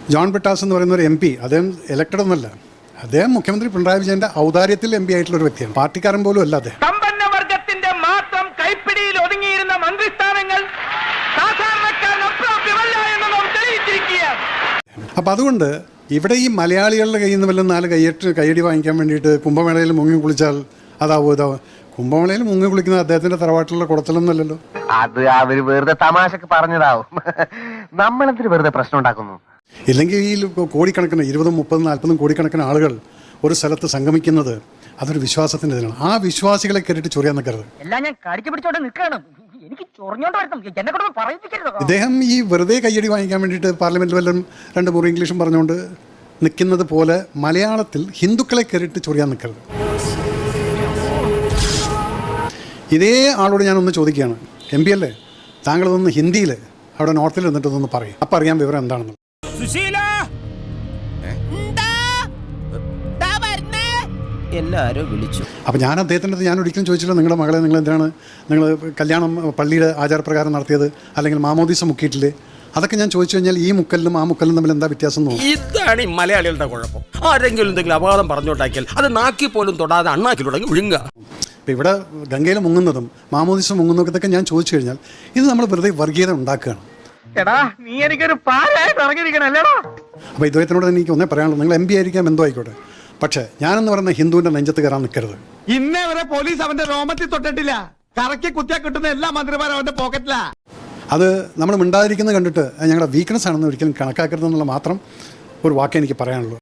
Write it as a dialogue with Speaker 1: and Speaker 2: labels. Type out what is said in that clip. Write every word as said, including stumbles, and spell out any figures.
Speaker 1: John Brittas എന്ന് പറയുന്ന ഒരു എം പി, അദ്ദേഹം ഇലക്ടഡ് ഒന്നല്ല, അദ്ദേഹം മുഖ്യമന്ത്രി പിണറായി വിജയന്റെ ഔദാര്യത്തിൽ എം പി ആയിട്ടുള്ള ഒരു വ്യക്തിയാണ്. പാർട്ടിക്കാരൻ പോലും അല്ല അദ്ദേഹം.
Speaker 2: സമ്പന്നവർഗത്തിന്റെ മാത്രം കൈപ്പിടിയിൽ ഒതുങ്ങിയിരുന്ന മന്ത്രിസ്ഥാനങ്ങൾ സാധാരണക്കാരനൊപ്രാപ്യമല്ല എന്ന് നാം തെളിയിച്ചിരിക്കുകയാണ്.
Speaker 1: അപ്പം അതുകൊണ്ട് ഇവിടെ ഈ മലയാളികളുടെ കയ്യിൽ നിന്ന് വല്ലതും നാല് കയ്യട്ട് കയ്യടി വാങ്ങിക്കാൻ വേണ്ടിയിട്ട് കുംഭമേളയിൽ മുങ്ങി കുളിച്ചാൽ അതാവോ ഇതാവും. കുംഭമേളയിൽ മുങ്ങി കുളിക്കുന്നത് അദ്ദേഹത്തിന്റെ തറവാട്ടിലുള്ള കുടത്തിലൊന്നുമല്ലല്ലോ.
Speaker 3: അത് അവര് വെറുതെ തമാശക്ക് പറഞ്ഞതാവും. നമ്മളെന്തിന് വെറുതെ പ്രശ്നം ഉണ്ടാക്കുന്നു?
Speaker 1: ഇല്ലെങ്കിൽ ഈ കോടിക്കണക്കിന് ഇരുപതും മുപ്പതും നാൽപ്പതും കോടിക്കണക്കിന് ആളുകൾ ഒരു സ്ഥലത്ത് സംഗമിക്കുന്നത് അതൊരു വിശ്വാസത്തിന്റെ ഇതിനാണ്. ആ വിശ്വാസികളെ കയറിയിട്ട് ചൊറിയാൻ നിൽക്കരുത്.
Speaker 4: എല്ലാം ഞാൻ കടിച്ചു പിടിച്ചോണ്ട് നിൽക്കണം. എനിക്ക് ചൊറിഞ്ഞോണ്ട് വരണം. എന്നെ കൊണ്ട് പറയിപ്പിക്കരുത്.
Speaker 1: ഇദ്ദേഹം ഈ വെറുതെ കയ്യടി വാങ്ങിക്കാൻ വേണ്ടിയിട്ട് പാർലമെന്റിൽ വല്ലതും രണ്ട് മുറി ഇംഗ്ലീഷും പറഞ്ഞുകൊണ്ട് നിൽക്കുന്നത് പോലെ മലയാളത്തിൽ ഹിന്ദുക്കളെ കയറിയിട്ട് ചൊറിയാൻ നിൽക്കരുത്. ഇതേ ആളോട് ഞാനൊന്ന് ചോദിക്കുകയാണ്, എം പി അല്ലേ, താങ്കളതൊന്ന് ഹിന്ദിയിൽ അവിടെ നോർത്തിൽ നിന്നിട്ടൊന്ന് പറയും, അപ്പം അറിയാൻ വിവരം എന്താണെന്ന്.
Speaker 5: എല്ലാരും വിളിച്ചു.
Speaker 1: അപ്പം ഞാൻ അദ്ദേഹത്തിൻ്റെ ഞാൻ ഒരിക്കലും ചോദിച്ചില്ല, നിങ്ങളുടെ മകളെ നിങ്ങൾ എന്തിനാണ് നിങ്ങൾ കല്യാണം പള്ളിയുടെ ആചാരപ്രകാരം നടത്തിയത്, അല്ലെങ്കിൽ മാമോദീസ മുക്കിയിട്ടില്ലേ? അതൊക്കെ ഞാൻ ചോദിച്ചു കഴിഞ്ഞാൽ ഈ മുക്കലിനും ആ മുക്കലിനും തമ്മിൽ എന്താ വ്യത്യാസം എന്ന് തോന്നുന്നു.
Speaker 6: ഇതാണ് ഈ മലയാളികളുടെ കുഴപ്പം. ആരെങ്കിലും എന്തെങ്കിലും അപകടം പറഞ്ഞോട്ടാക്കിയാൽ അത് നാക്കി പോലും തൊടാതെ അണ്ണാക്കി തുടങ്ങി വിഴുങ്ങുക.
Speaker 1: ഇപ്പം ഇവിടെ ഗംഗയിൽ മുങ്ങുന്നതും മാമോദീസ മുങ്ങുന്നതും ഇതൊക്കെ ഞാൻ ചോദിച്ചു കഴിഞ്ഞാൽ ഇത് നമ്മൾ വെറുതെ വർഗീയത ഉണ്ടാക്കുകയാണ്.
Speaker 2: എടാ നീ എനിക്കൊരു പാരായിട്ട് ഇറങ്ങിയിരിക്കണല്ലേടാ.
Speaker 1: അപ്പോൾ ഇദ്ദേഹത്തിനോട് എനിക്ക് ഒന്നേ പറയാനുള്ളൂ, നിങ്ങൾ എം പി ആയിരിക്കാം എന്തോ ആയിക്കോട്ടെ, പക്ഷേ ഞാനെന്ന് പറയുന്ന ഹിന്ദുവിൻ്റെ നെഞ്ചത്ത് കയറാൻ നിൽക്കരുത്.
Speaker 7: ഇന്നേ വരെ പോലീസ് അവന്റെ രോമത്തിൽ തൊട്ടിട്ടില്ല. കറക്കി കുത്തിയാ കിട്ടുന്ന എല്ലാ മന്ത്രിമാരും അവന്റെ പോക്കറ്റിലാ.
Speaker 1: അത് നമ്മൾ മിണ്ടാതിരിക്കുന്നത് കണ്ടിട്ട് ഞങ്ങളുടെ വീക്ക്നെസ് ആണെന്ന് ഒരിക്കലും കണക്കാക്കരുതെന്നുള്ള മാത്രം ഒരു വാക്കേ എനിക്ക് പറയാനുള്ളൂ.